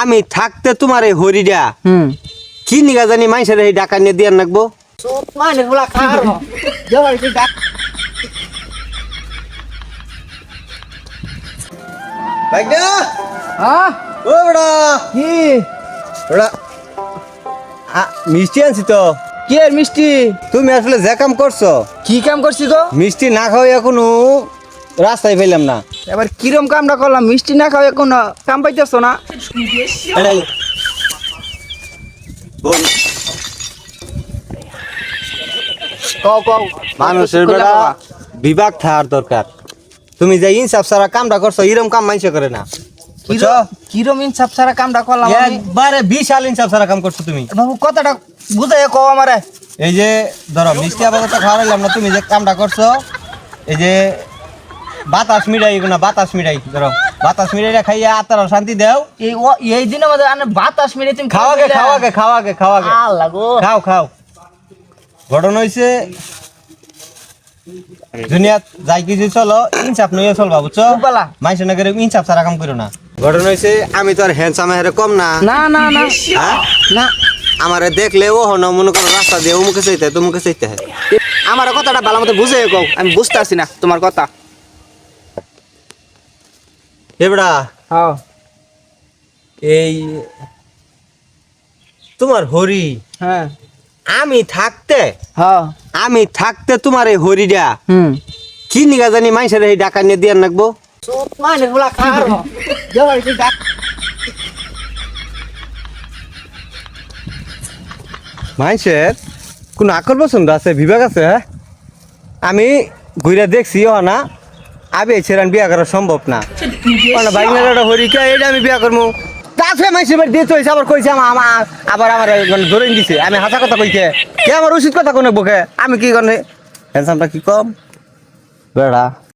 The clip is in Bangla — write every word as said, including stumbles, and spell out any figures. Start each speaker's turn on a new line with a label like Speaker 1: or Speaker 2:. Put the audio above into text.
Speaker 1: আমি থাকতে তোমার এই হরিডা
Speaker 2: হুম
Speaker 1: কি নিগা জানি মাইসের এই ডাকা নিয়ে দিয়ে রাখবো
Speaker 2: মানে গুলা খাওয়ার জবাই কি ডাক
Speaker 1: ভাইগা
Speaker 2: হ্যাঁ
Speaker 1: ও বড়া
Speaker 2: কি
Speaker 1: বড়া আ মিষ্টি আনছি তো
Speaker 2: কি এর মিষ্টি
Speaker 1: তুমি আসলে যে কাম করছো
Speaker 2: কি কাম করছি গো
Speaker 1: মিষ্টি না খাওয়া এখনো রাস্তায় পেলাম না
Speaker 2: এবার কিরম কামটা করলাম মিষ্টি না খাও এখন কাম পাইতেছ না
Speaker 1: এটাই। বল।
Speaker 2: কও কও
Speaker 1: মানুষের বেলা বিভাগ থাকার দরকার তুমি যে ইনসাফ সারা কামটা করছো এরকম কাম মাইসে করে না বুঝছো
Speaker 2: কিরম ইনসাফ সারা কামটা করলাম আমি
Speaker 1: একবারে বিশাল ইনসাফ সারা কাম করছো তুমি
Speaker 2: বাবু কথাটা বুঝাই কও আমারে
Speaker 1: এই যে ধরো মিষ্টি আপাতত খাওয়াইলাম না তুমি যে কামটা করছো এই যে বাতাস মিঠাই না বাতাস মিঠাই ধরো বাতাস মিঠাইটা খাইয়া আত্মার শান্তি দেও
Speaker 2: এই ও- এই দিনের মধ্যে আনে বাতাস মেরে তুমি
Speaker 1: খাওয়াকে খাওয়াকে খাওয়াকে খাওয়াকে
Speaker 2: আল্লাহ গো
Speaker 1: খাও খাও ঘটনা হয়েছে দুনিয়া যাই কিছু চলো ইনসাফ নইয়া চলবা বুঝছো
Speaker 2: বালা।
Speaker 1: মাইসে না করে ইনসাফ সারা কাম করো না ঘটনা হয়েছে আমি তো আর হ্যান্ডসাম হেরে কম না
Speaker 2: না না না
Speaker 1: হ্যাঁ
Speaker 2: না
Speaker 1: আমারে দেখলে ও হন মনে করো রাস্তা দিয়ে অমুকে চাইতে তুমুকে চাইতে হয়
Speaker 2: আমার কথাটা ভালো মতো বুঝে কও আমি বুঝতে পারছি না তোমার কথা
Speaker 1: এবড়া
Speaker 2: হ্যাঁ
Speaker 1: এই তোমার হরি
Speaker 2: হ্যাঁ
Speaker 1: আমি থাকতে
Speaker 2: হ্যাঁ
Speaker 1: আমি থাকতে তোমার এই হরিডা
Speaker 2: হুম
Speaker 1: কি নিগা জানি মাইসের এই ডাকা নিয়ে দিয়ে রাখবো
Speaker 2: মানে গুলা খাওয়ার জবাই কি ডাক
Speaker 1: মাইসের কোন আকর পছন্দ আছে বিভাগ আছে হ্যাঁ? আমি ঘুরে দেখছি ও না আবে ছেড়ান বিয়া করা সম্ভব না বাইকনাটা হরিকা এটা আমি বিয়া করবো কাছে মাইসের বাড়ি দিয়ে চলেছে আবার কইছে আমা আমা- আবার আমার মানে ধরে দিছে আমি হাসা কথা কইছে কে আমার উচিত কথা কোনে বকে আমি কি করে হ্যান্ডসামটা কি কম বেড়া